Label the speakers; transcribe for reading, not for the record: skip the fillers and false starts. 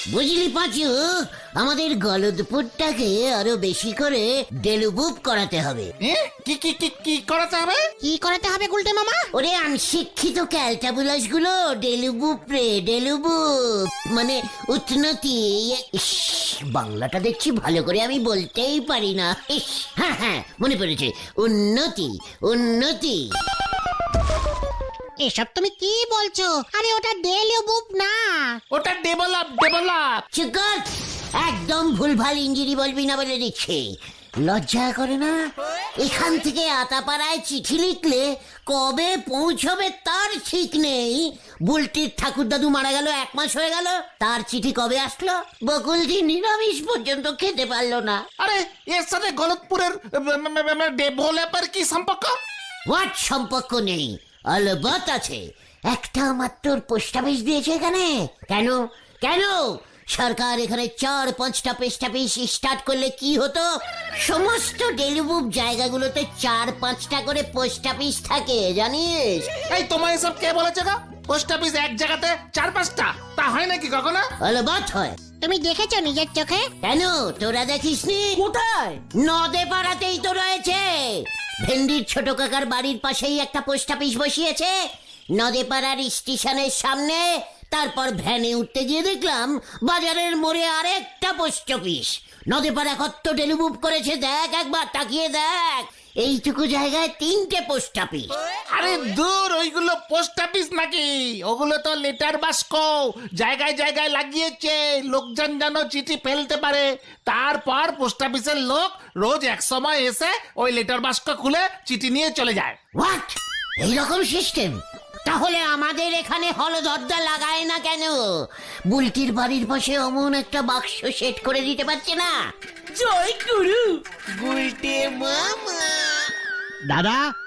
Speaker 1: বুঝলি পাঁচু, আমাদের গলদপুরটাকে আরো বেশি করে ডেলুবুপ করাতে হবে।
Speaker 2: কি কি কি কি করাতে হবে?
Speaker 3: কি করাতে হবে গুলটে মামা?
Speaker 1: ওরে অনশিক্ষিত ক্যালটাবুলাস গুলো ডেলুবুপ রে, ডেলুবুপ মানে উন্নতি। ইস, বাংলাটা দেখছি ভালো করে আমি বলতেই পারি না। ইস, হ্যাঁ হ্যাঁ মনে পড়েছে, উন্নতি উন্নতি।
Speaker 3: এসব তুমি কি বলছো? আরে ওটা ডেলিউবুপ না,
Speaker 2: ওটা ডেভেলপ ডেভেলপ।
Speaker 1: চুপ কর, একদম ভুলভাল ইঞ্জিনি বলবি না বলে দিচ্ছি। লজ্জা করে না? এখান থেকে আতাপাড়ায় চিঠি লিখলে কবে পৌঁছবে তার ঠিক নেই। বুলটির ঠাকুর দাদু মারা গেল 1 মাস হয়ে গেল, তার চিঠি কবে আসলো? বকুলজি নিরামিষ পর্যন্ত খেতে পারলো না।
Speaker 2: আরে এর সাথে গলতপুরের ডেভেলপের কি সম্পর্ক?
Speaker 1: হোয়াট সম্পর্ক নেই? অলবৎ আছে। একটা মাত্র পোস্ট অফিস দিয়েছে এখানে। কেন কেন সরকার এখানে 4-5টা পোস্ট অফিস স্টার্ট করলে কি হতো? সমস্ত ডেলিবুক জায়গাগুলোতে 4-5টা করে পোস্ট অফিস থাকে, জানিস?
Speaker 2: এই তোমার এসব কে বলেছে গো? পোস্ট অফিস এক জায়গাতে 4-5টা, তা হয় নাকি কখনো?
Speaker 1: অলবৎ হয়।
Speaker 3: তুমি দেখেছো নিজের চোখে?
Speaker 1: কেন তোরা দেখিসনি?
Speaker 4: কোথায়?
Speaker 1: নদে পাড়াতেই তো রয়েছে। ভেন্ডির ছোট কাকার বাড়ির পাশেই একটা পোস্ট অফিস বসিয়েছে, নদে পাড়ার স্টেশনের সামনে। তারপর ভ্যানে উঠতে গিয়ে দেখলাম বাজারের মোড়ে আরেকটা পোস্ট অফিস। নদে পাড়া কত ডেলিবুক করেছে দেখ, একবার তাকিয়ে দেখ। এইটুকু জায়গায় 3টে পোস্ট অফিস।
Speaker 2: আরে দূর, ওইগুলো পোস্ট অফিস নাকি? ওগুলো তো লেটার বাক্স। জায়গায় জায়গায় লাগিয়েছে, লোকজন যেন চিঠি ফেলতে পারে। তারপর পোস্ট অফিসের লোক রোজ এক সময় এসে ওই লেটার বাক্স খুলে চিঠি নিয়ে চলে যায়।
Speaker 1: হোয়াট, এইরকম সিস্টেম? তাহলে আমাদের এখানে হলদরদা লাগায় না কেন? বুলটির বাড়ির পাশে অমন একটা বাক্স সেট করে দিতে পারছে না?
Speaker 4: জয় গুরু।
Speaker 5: দাদা